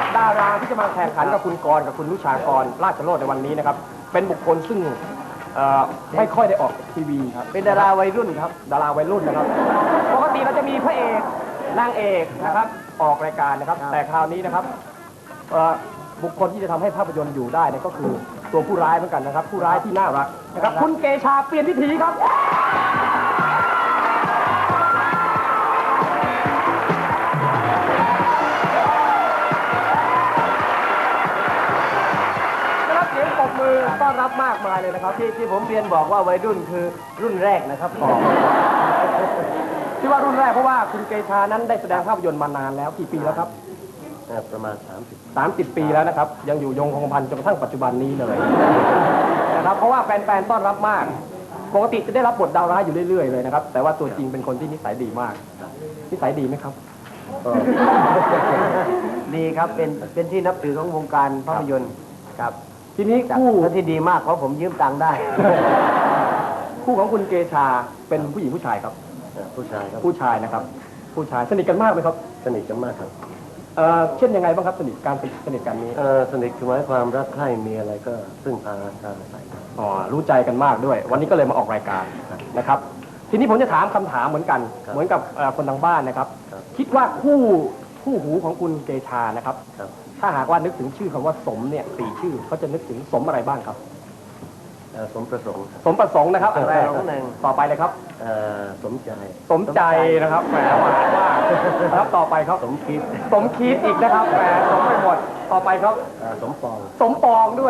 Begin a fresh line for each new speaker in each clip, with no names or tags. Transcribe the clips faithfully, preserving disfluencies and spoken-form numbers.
ดาราที่จะมาแข่งขันกับคุณกรณ์กับคุณนุชากรราชโรจน์ในวันนี้นะครับเป็นบุคคลซึ่งไม่ค่อยได้ออกทีวีครับเป็นดาราวัยรุ่นครับดาราวัยรุ่นนะครับปกติเราจะมีพระเอกนางเอกนะครับออกรายการนะครับแต่คราวนี้นะครับบุคคลที่จะทำให้ภาพยนตร์อยู่ได้ก็คือตัวผู้ร้ายเหมือนกันนะครับผู้ร้ายที่น่ารักนะครับคุณเกชาเปลี่ยนวิถีครับมือต้อนรับมากมายเลยนะครับที่ที่ผมเรียนบอกว่าวัยรุ่นคือรุ่นแรกนะครับที่ว่ารุ่นแรกเพราะว่าคุณเกชานั้นได้แสดงภาพยนตร์มานานแล้วกี่ปีแล้วครับ
ประมาณสามสิบ
สามสิบปีแล้วนะครับยังอยู่ยงคงพันจนกระทั่งปัจจุบันนี้เลยนะครับเพราะว่าแฟนๆต้อนรับมากปกติจะได้รับบทดาวร้ายอยู่เรื่อยๆเลยนะครับแต่ว่าตัวจริงเป็นคนที่นิสัยดีมากนิสัยดีไหมครับ
ดีครับเป็นเป็นที่นับถือของวงการภาพยนตร์ครับ
ทีนี้คู่
ที่ดีมากเพราะผมยืมตังค์ได้
คู่ของคุณเกชาเป็นผู้หญิงผู้ชายครับ
ผู้ชายครับ
ผู้ชายนะครับผู้ชายสนิทกันมากไหมครับ
สนิทกันมากครับ
เอ่อเช่นยังไงบ้างครับสนิทการสนิทกันนี้
เอ่อสนิทคือหมายความรักใคร่มีอะไรก็ซึ่งพาทางใส่
อ๋อรู้ใจกันมากด้วยวันนี้ก็เลยมาออกรายการนะครับทีนี้ผมจะถามคำถามเหมือนกันเหมือนกับคนทางบ้านนะครับคิดว่าคู่คู่หูของคุณเกชานะครับถ้าหากว่านึกถึงชื่อคำว่าสมเนี่ยสี่ชื่อเขาจะนึกถึงสมอะไรบ้างครับ
สมประสงค์
สมประสงค์นะครับอันแรกต่อไปเลยครับ
สมใจ
สมใจนะครับแหมหวานมากครับต่อไปครับ
สมคิด
สมคิดอีกนะครับแหมสมไม่หมดต่อไปครับ
สมปอง
สมปองด้วย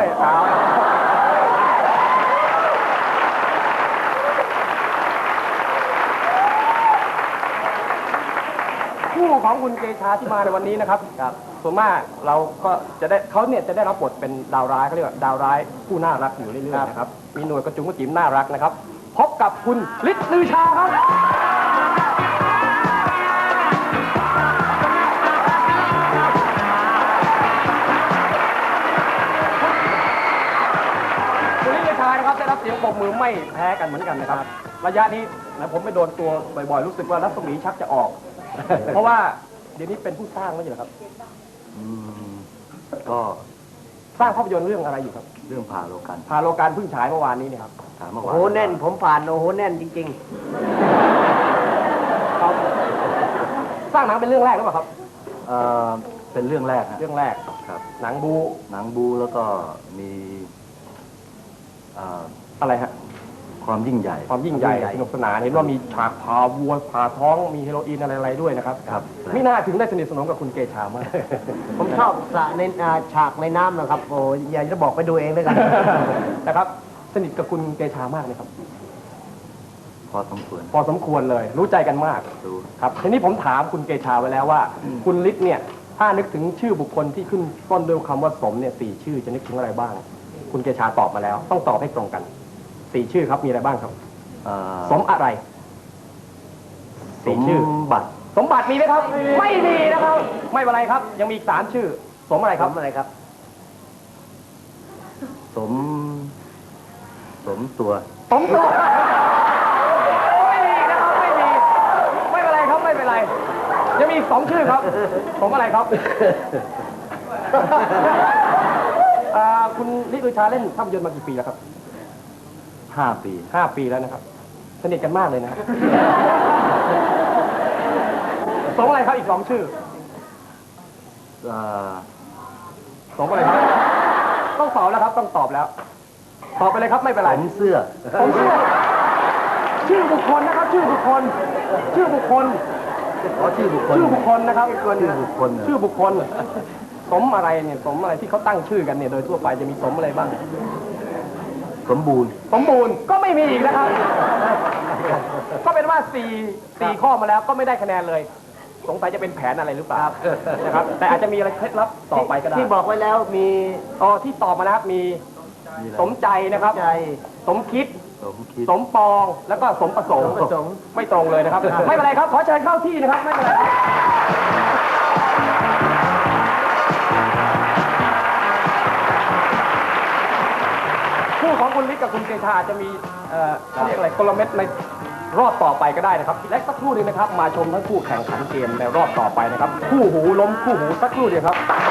คู่ของคุณเกชาที่มาในวันนี้นะครับครับส่วนมากเราก็จะได้เขาเนี่ยจะได้รับบทเป็นดาวร้ายเขาเรียกว่าดาวร้ายผู้น่ารักอยู่เรื่อยๆนะครับมีหน่วยกระจุงกระจิ๋มน่ารักนะครับพบกับคุณฤทธิ์ลือชาครับคุณฤทธิ์ลือชานะครับได้รับเสียงปรบมือไม่แพ้กันเหมือนกันนะครับระยะนี้นะผมไปโดนตัวบ่อยๆรู้สึกว่ารัศมีชักจะออกเพราะว่าเดี๋ยวนี้เป็นผู้สร้างไม่ใช่เหรอครับ
ก็
สร้างภาพยนตร์เรื่องอะไรอยู่ครับ
เรื่องพาโลกัน
พาโลกันเพิ่งฉายเมื่อวานนี้เนี่ยครับ
โอ้โหแน่นผมผ่านโอ้โหแน่นจริง
ๆครับสร้างหนังเป็นเรื่องแรกหรือเปล่าครับ
เออเป็นเรื่องแรก
เรื่องแรก
ครับ
หนังบู
หนังบูแล้วก็มี
อะไรฮะ
ความยิ่งใหญ่
ความยิ่งใหญ่สนุกสนานเห็นว่ามีฉากผ่าวัวผ่าท้องมีเฮโรอีนอะไรๆด้วยนะครับ
ครับ
ไม่น่าถึงได้สนิทสนมกับคุณเกชามาก
ผมชอบสระในฉากในน้ำนะครับโอ้ยอยากจะบอกไปดูเองเลยกัน
นะครับสนิทกับคุณเกชามากเลยครับ
พอสมควร
พอสมควรเลยรู้ใจกันมากครับทีนี้ผมถามคุณเกชาไว้แล้วว่าคุณฤทธิ์เนี่ยถ้านึกถึงชื่อบุคคลที่ขึ้นต้นด้วยคำว่าสมเนี่ยสี่ชื่อจะนึกถึงอะไรบ้างคุณเกชาตอบมาแล้วต้องตอบให้ตรงกันสี่ชื่อครับมีอะไรบ้างครับสมอะไร
สมบัติ
สมบัติมีไหมครับไม่มีนะครับไม่เป็นไรครับยังมีอีกสามชื่อสมอะไรครับ
สมอะไรครับ
สมสมตัว
สมตัวไม่มีนะครับไม่มีไม่เป็นไรครับไม่เป็นไรยังมีอีกสองชื่อครับสมอะไรครับคุณฤทธิ์ลือชาเล่นภาพยนตร์มากี่ปีแล้วครับ
ห้าปี
ห้าปีแล้วนะครับสนิทกันมากเลยนะครับสองอะไรครับอีกสองชื่อสองอะไรครับต้องตอบแล้วครับต้องตอบแล้วตอบไปเลยครับไม่เป็นไร
ผมเสื้อ
ผมเสื้อชื่อบุคคลนะครับชื่อบุคคลชื่อบุคคล
อ๋อชื่อบุคคล
ชื่อบุคคลนะครับ
ชื่อบุคคล
ชื่อบุคคลสมอะไรเนี่ยสมอะไรที่เขาตั้งชื่อกันเนี่ยโดยทั่วไปจะมีสมอะไรบ้าง
สมบูรณ์
สมบูรณ์ก็ไม่มีอีกนะครับก็เป็นว่าสี่สี่ข้อมาแล้วก็ไม่ได้คะแนนเลยสงสัยจะเป็นแผนอะไรหรือเปล่านะครับแต่อาจจะมีอะไรเคล็ดลับต่อไปก็ได้
ที่บอกไว้แล้วมี
อ๋อที่ตอบมานะครับมีสมใจนะครับสมคิดสมปองแล้วก็สมประสงค์ไม่ตรงเลยนะครับไม่เป็นไรครับขอเชิญเข้าที่นะครับไม่เป็นไรคู่ของคุณฤทธิ์กับคุณเกชาจะมีเอ่อเรียกอะไรกลเม็ดในรอบต่อไปก็ได้นะครับและสักครู่นึงนะครับมาชมทั้งคู่แข่งขันเกมในรอบต่อไปนะครับคู่หูล้มคู่หูสักครู่เดียวครับ